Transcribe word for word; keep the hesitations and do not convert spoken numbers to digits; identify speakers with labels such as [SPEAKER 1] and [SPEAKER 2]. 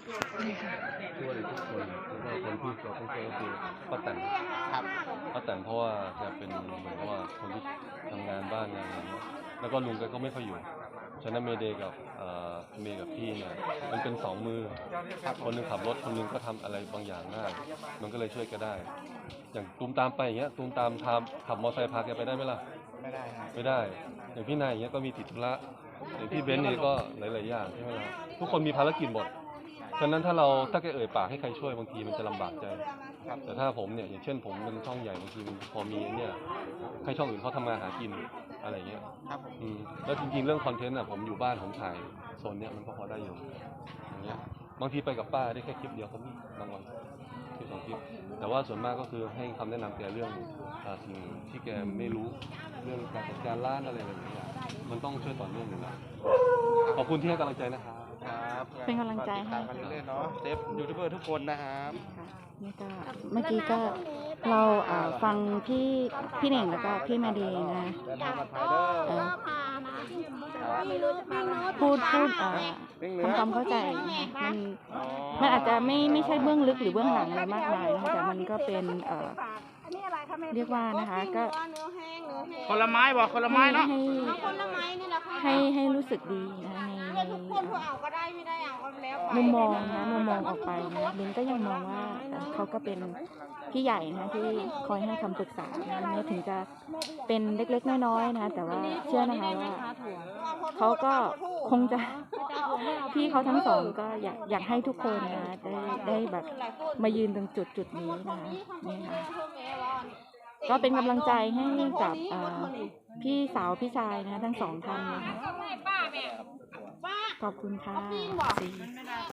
[SPEAKER 1] ช่วยทุกคนแล้วก็คนที่เราต้องช่วยก็คือป้าแตน
[SPEAKER 2] ครับ
[SPEAKER 1] ป้าแตนเพราะว่าแกเป็นเหมือนกับว่าคนที่ทำงานบ้านงานอะไรเงี้ยแล้วก็ลุงแกก็ไม่ค่อยอยู่ฉะนั้นเมเดย์กับเมย์กับพี่เนี่ยมันเป็นสองมือคนหนึงขับรถคนหนึงก็ทำอะไรบางอย่างได้มันก็เลยช่วยแกได้อย่างตูมตามไปอย่างเงี้ยตูมตามทำขับมอเตอร์ไซค์พาแกไปได้ไหมล่ะ
[SPEAKER 2] ไม่ได้ครับ
[SPEAKER 1] ไม่ได้อย่างพี่นายอย่างเงี้ยก็มีติดธุระอย่างพี่เบนซ์เนี่ยก็หลายๆอย่างใช่ไหมล่ะทุกคนมีภารกิจหมดฉะนั้นถ้าเราถ้าแกเอ่ยปากให้ใครช่วยบางทีมันจะลำบากใจแต่ถ้าผมเนี่ยอย่างเช่นผมเป็นช่องใหญ่บางทีพอมีเนี่ยให้ช่องอื่นเขาทำงานหากินอะไรเงี้ย
[SPEAKER 2] ครับผม
[SPEAKER 1] อืมแล้วจริงๆเรื่องคอนเทนต์อ่ะผมอยู่บ้านผมถ่ายโซนเนี้ยมันก็พอได้อยู่อย่างเงี้ยบางทีไปกับป้าได้แค่คลิปเดียวก็มีบางวันคลิปสองคลิปแต่ว่าส่วนมากก็คือให้คำแนะนำแกเรื่องสิ่งที่แกไม่รู้เรื่องการจัดการร้านอะไรแบบนี้มันต้องช่วยต่อเนื่องอยู่แล้วขอบคุณที่ให้กำลังใจนะครับ
[SPEAKER 2] ครับ
[SPEAKER 3] เป็นกำลังใจให้
[SPEAKER 2] ตามกันเรื่อยๆเนาะเซฟยูทูบเบอร์ทุกคนนะครับ
[SPEAKER 3] นี่ก็เมื่อกี้ก็เราอ่าฟังพี่พี่เหน่งแล้วก็พี่มาดีนะ
[SPEAKER 2] เดินทางปลอดภัยเด้อ
[SPEAKER 3] เอ่อพูดพูดอ่าทำความเข้าใจนะมันมันอาจจะไม่ไม่ใช่เบื้องลึกหรือเบื้องหลังอะไรมากมายนะคะแต่มันก็เป็นเอ่อเรียกว่านะคะก็
[SPEAKER 2] คนละไม้บอกคนละไม้เนาะ
[SPEAKER 3] ให้
[SPEAKER 4] คนละไม้นี่แหละค่ะ
[SPEAKER 3] ให้ให้รู้สึกดีนะใน
[SPEAKER 4] ทุกคนผู้เอาก็ได้ไม่ได้เอาก็แล้วไป
[SPEAKER 3] มุมมองนะมุมมองออกไปนะลินก็ยังมองว่าเขาก็เป็นพี่ใหญ่นะที่คอยให้คำปรึกษานะแม้ถึงจะเป็นเล็กๆน้อยๆนะแต่ว่าเชื่อนะคะว่าเขาก็คงจะพี่เขาทั้งสองก็อยากอยากให้ทุกคนนะได้ได้แบบมายืนตรงจุดจุดนี้นะคะนี่ค่ะก็เป็นกำลังใจให้กับพี่สาวพี่ชายนะทั้งสองท่านนะคะขอบคุณค่ะ